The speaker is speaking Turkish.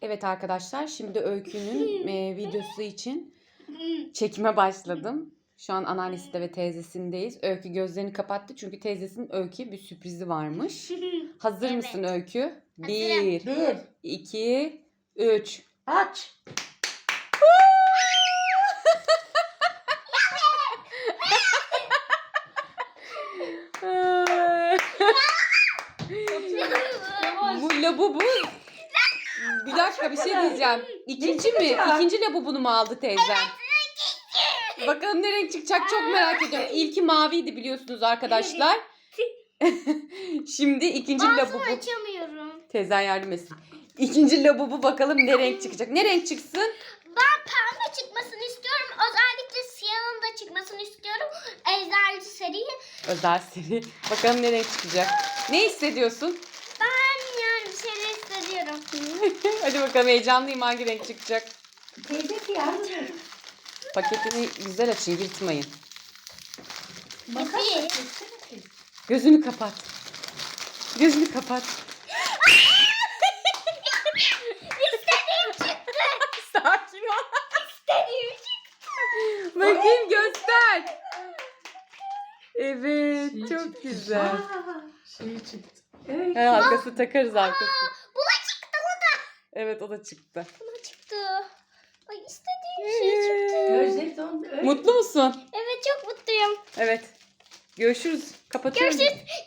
Evet arkadaşlar, şimdi Öykü'nün videosu için çekime başladım. Şu an anneannesinde ve teyzesindeyiz. Öykü gözlerini kapattı çünkü teyzesinin Öykü'ye bir sürprizi varmış. Hazır Evet. mısın Öykü? Hazırım. 1, 2, 3. Aç. Bu labubu. Bir dakika bir şey diyeceğim. İkinci mi? İkinci labubunu mu aldı teyzem? Bakalım ne renk çıkacak çok merak ediyorum. İlki maviydi biliyorsunuz arkadaşlar. Şimdi ikinci Ağzımı labubu. açamıyorum. Teyzen yardım etsin. İkinci labubu bakalım ne renk çıkacak. Ne renk çıksın? Ben pembe çıkmasını istiyorum. Özellikle siyahın da çıkmasını istiyorum. Ejderci seriyi. Özel seri. Bakalım ne renk çıkacak. Ne hissediyorsun? Ben yani bir şeyler hissediyorum. Hadi bakalım heyecanlıyım hangi renk çıkacak. Teyzesi yardım et. Paketini güzel açın yırtmayın. Makas İyi. açıyorsun ki. Gözünü kapat. Gözünü kapat. İstediğim çıktı. Sakin ol. İstediğim çıktı. Bakayım göster. Evet çok güzel. Aa, şey çıktı. Evet. He, arkası takarız arkası. Bu da çıktı, bu da. Evet o da çıktı. Bu da çıktı. Ay istediğim şey çıktı. Gözleri dondu. Öyle. Mutlu musun? Evet çok mutluyum. Evet. Görüşürüz. Kapatıyorum. Görüşürüz.